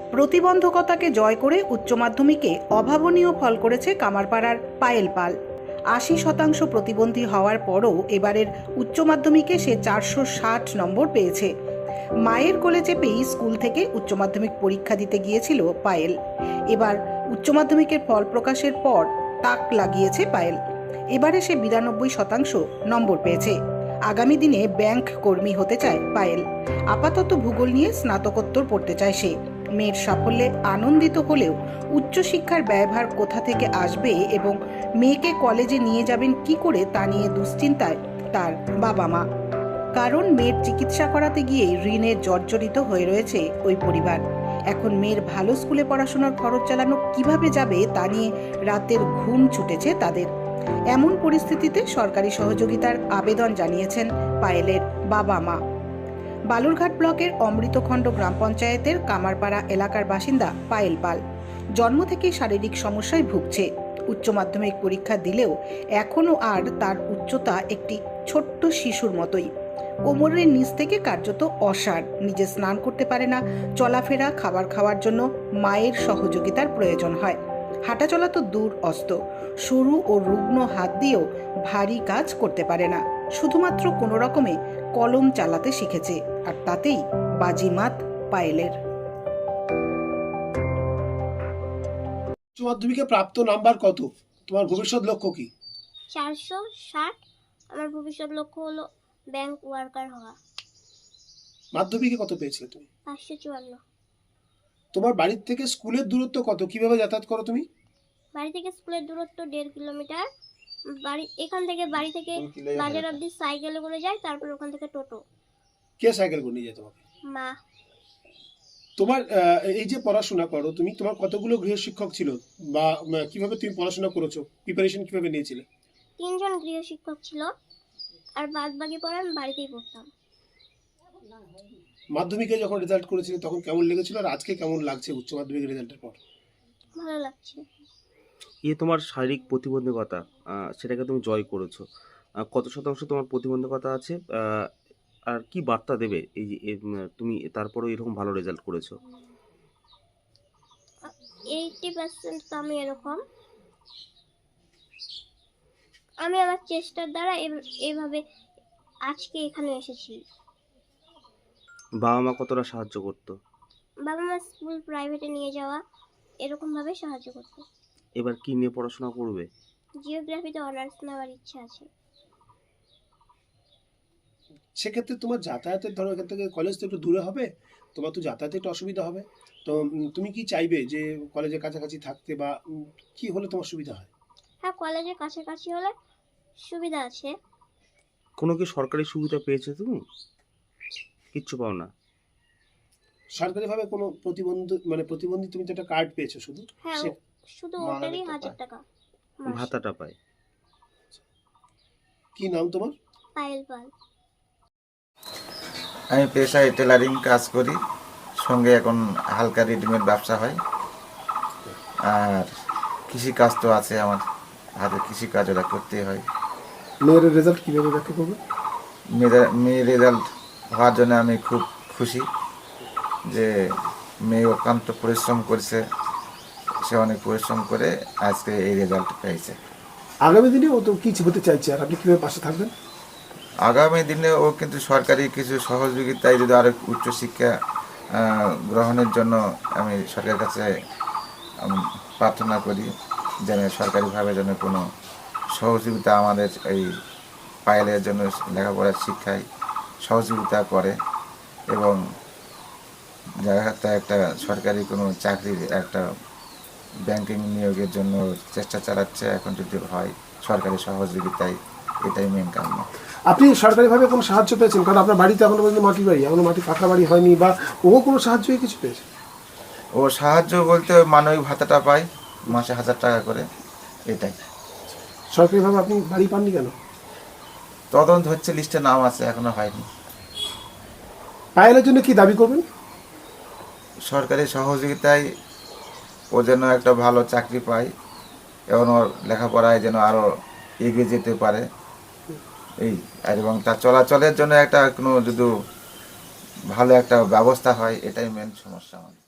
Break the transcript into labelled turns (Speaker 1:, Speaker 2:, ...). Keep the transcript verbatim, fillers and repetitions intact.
Speaker 1: প্রতিবন্ধকতাকে জয় করে উচ্চ মাধ্যমিকে অভাবনীয় ফল করেছে কামারপাড়ার পায়েল পাল। আশি শতাংশ প্রতিবন্ধী হওয়ার পরও এবারের উচ্চ মাধ্যমিকে সে চারশো ষাট নম্বর পেয়েছে। মায়ের কোলে চেপেই স্কুল থেকে উচ্চ মাধ্যমিক পরীক্ষা দিতে গিয়েছিল পায়েল। এবার উচ্চ মাধ্যমিকের ফল প্রকাশের পর তাক লাগিয়েছে পায়েল। এবারে সে বিরানব্বই শতাংশ নম্বর পেয়েছে। আগামী দিনে ব্যাংক কর্মী হতে চায় পায়েল। আপাতত ভূগোল নিয়ে স্নাতকোত্তর পড়তে চায় সে। মেয়ের সাফল্যে আনন্দিত হলেও উচ্চশিক্ষার ব্যয়ভার কোথা থেকে আসবে এবং মেয়েকে কলেজে নিয়ে যাবেন কি করে তা নিয়ে দুশ্চিন্তায় তার বাবা মা। কারণ মেয়ের চিকিৎসা করাতে গিয়ে ঋণে জর্জরিত হয়ে রয়েছে ওই পরিবার। এখন মেয়ের ভালো স্কুলে পড়াশোনার খরচ চালানো কিভাবে যাবে তা নিয়ে রাতের ঘুম ছুটেছে তাদের। এমন পরিস্থিতিতে সরকারি সহযোগিতার আবেদন জানিয়েছেন পায়েলের বাবা মা। বালুরঘাট ব্লকের অমৃতখণ্ড গ্রাম পঞ্চায়েতের কামারপাড়া এলাকার বাসিন্দা পায়েল পাল জন্ম থেকেই শারীরিক সমস্যায় ভুগছে। উচ্চ মাধ্যমিক পরীক্ষা দিলেও এখনও আর তার উচ্চতা একটি ছোট্ট শিশুর মতোই। কোমরের নিচ থেকে কার্যত অসাড়। নিজে স্নান করতে পারে না। চলাফেরা, খাবার খাওয়ার জন্য মায়ের সহযোগিতার প্রয়োজন হয়। হাঁটাচলা তো দূর অস্ত, সরু ও রুগ্ন হাত দিয়েও ভারী কাজ করতে পারে না। শুধুমাত্র কোনো রকমে কলম চালাতে শিখেছে, আর তাতেই বাজিমাত পায়েলের।
Speaker 2: উচ্চ মাধ্যমিকে প্রাপ্ত নাম্বার কত? তোমার ভবিষ্যৎ লক্ষ্য কি?
Speaker 3: চারশো ষাট। আমার ভবিষ্যৎ লক্ষ্য হলো ব্যাংক ওয়ার্কার হওয়া।
Speaker 2: মাধ্যমিকে কত পেয়েছিলে তুমি?
Speaker 3: পাঁচশো চুয়ান্ন।
Speaker 2: তোমার বাড়ির থেকে স্কুলের দূরত্ব কত? কিভাবে যাতায়াত করো তুমি?
Speaker 3: বাড়ি থেকে স্কুলের দূরত্ব দেড় কিলোমিটার। বাড়ি এখান থেকে বাড়ি থেকে বাজার অবধি সাইকেলে করে যাই, তারপর ওখান থেকে টোটো।
Speaker 2: কে সাইকেল করে নিয়ে যায় তোমাকে?
Speaker 3: মা।
Speaker 2: তোমার এই যে পড়াশোনা করো তুমি, তোমার কতগুলো গৃহশিক্ষক ছিল বা কিভাবে তুমি পড়াশোনা করেছো? প্রিপারেশন কিভাবে নিয়েছিলে?
Speaker 3: তিনজন গৃহশিক্ষক ছিল, আর বাদ বাকি পড়া আমি বাড়িতেই পড়তাম।
Speaker 2: মাধ্যমিকে যখন রেজাল্ট করেছিলে তখন কেমন লেগেছিল, আর আজকে কেমন লাগছে উচ্চ মাধ্যমিক রেজাল্টের পর?
Speaker 3: ভালো লাগছে।
Speaker 4: এই তোমার শারীরিক প্রতিবন্ধকতা, সেটাকে তুমি জয় করেছো। কত শতাংশ তোমার প্রতিবন্ধকতা আছে, আর কি বার্তা দেবে এই যে তুমি তারপরেও এরকম ভালো রেজাল্ট করেছো?
Speaker 3: এইটি পার্সেন্ট তো আমি এরকম। আমি আমার চেষ্টার দ্বারা এইভাবে আজকে এখানে এসেছি।
Speaker 4: বাবা মা কতটা সাহায্য করতো?
Speaker 3: বাবা মা স্কুল প্রাইভেটে নিয়ে যাওয়া, এরকম ভাবে সাহায্য করতো।
Speaker 4: এবার কি নিয়ে পড়াশোনা করবে?
Speaker 3: জিওগ্রাফিতে অনার্স নেওয়ার ইচ্ছা আছে।
Speaker 2: সেক্ষেত্রে তোমার যাতায়াতের ধরো এখান থেকে কলেজ তো একটু দূরে হবে, তোমার তো যাতায়াতে একটু অসুবিধা হবে। তো তুমি কি চাইবে যে কলেজের কাছাকাছি থাকতে, বা কি হলে তোমার সুবিধা হয়?
Speaker 3: হ্যাঁ, কলেজের কাছাকাছি হলে সুবিধা আছে।
Speaker 4: কোনো কি সরকারি সুবিধা পেয়েছো তুমি? কিচ্ছু পাও না?
Speaker 2: সরকারিভাবে কোনো প্রতিবন্ধী মানে প্রতিবন্ধী তুমি তো একটা কার্ড পেয়েছো শুধু?
Speaker 3: হ্যাঁ, শুধু ওটারই হাজার টাকা
Speaker 4: ভাতাটা পায়।
Speaker 2: কি নাম তোমার?
Speaker 3: পায়েল পাল।
Speaker 5: আমি পেশায় টেলারিং কাজ করি, সঙ্গে এখন হালকা রেডিমেড ব্যবসা হয়। আর কৃষি কাজ তো আছে, আমার হাতে কৃষি কাজ ওরা করতেই হয়।
Speaker 2: মেয়ের রেজাল্ট কীভাবে ব্যাখ্যা করবে?
Speaker 5: মেয়ের মেয়ের রেজাল্ট হওয়ার জন্য আমি খুব খুশি যে মেয়ে অক্লান্ত পরিশ্রম করেছে, সে অনেক পরিশ্রম করে আজকে এই রেজাল্ট পেয়েছে।
Speaker 2: আগামী দিনে ও তো কিছু হতে চাইছে, আর আপনি কীভাবে পাশে থাকবেন?
Speaker 5: আগামী দিনে ও কিন্তু সরকারি কিছু সহযোগিতায় যদি আরও উচ্চশিক্ষা গ্রহণের জন্য আমি সরকারের কাছে প্রার্থনা করি, যেন সরকারিভাবে যেন কোনো সহযোগিতা আমাদের এই পায়েলের জন্য লেখাপড়ার শিক্ষায় সহযোগিতা করে, এবং জায়গাতে একটা সরকারি কোনো চাকরির একটা ব্যাংকিং নিয়োগের জন্য চেষ্টা চালাচ্ছে। এখন যদি হয় সরকারি সহযোগিতায়, এটাই মেন কারণ।
Speaker 2: আপনি সরকারিভাবে কোনো সাহায্য পেয়েছেন? কারণ আপনার বাড়িতে এখনো পর্যন্ত মাটির বাড়ি, এখনো মাটি পাকা বাড়ি হয়নি, বা ও কোনো সাহায্য কিছু পেয়েছে?
Speaker 5: ও সাহায্য বলতে মানবিক ভাতাটা পায় মাসে হাজার টাকা করে, এটাই।
Speaker 2: সরকারিভাবে আপনি বাড়ি পাননি কেন?
Speaker 5: তদন্ত হচ্ছে, লিস্টে নাম আছে, এখনো হয়নি।
Speaker 2: পায়েলের জন্য কি দাবি করবেন?
Speaker 5: সরকারি সহযোগিতায় ও যেন একটা ভালো চাকরি পায়, এবং ওর লেখাপড়ায় যেন আরও এগিয়ে যেতে পারে এই, আর এবং তার চলাচলের জন্য একটা কোনো যদি ভালো একটা ব্যবস্থা হয়, এটাই মেন সমস্যা আমাদের।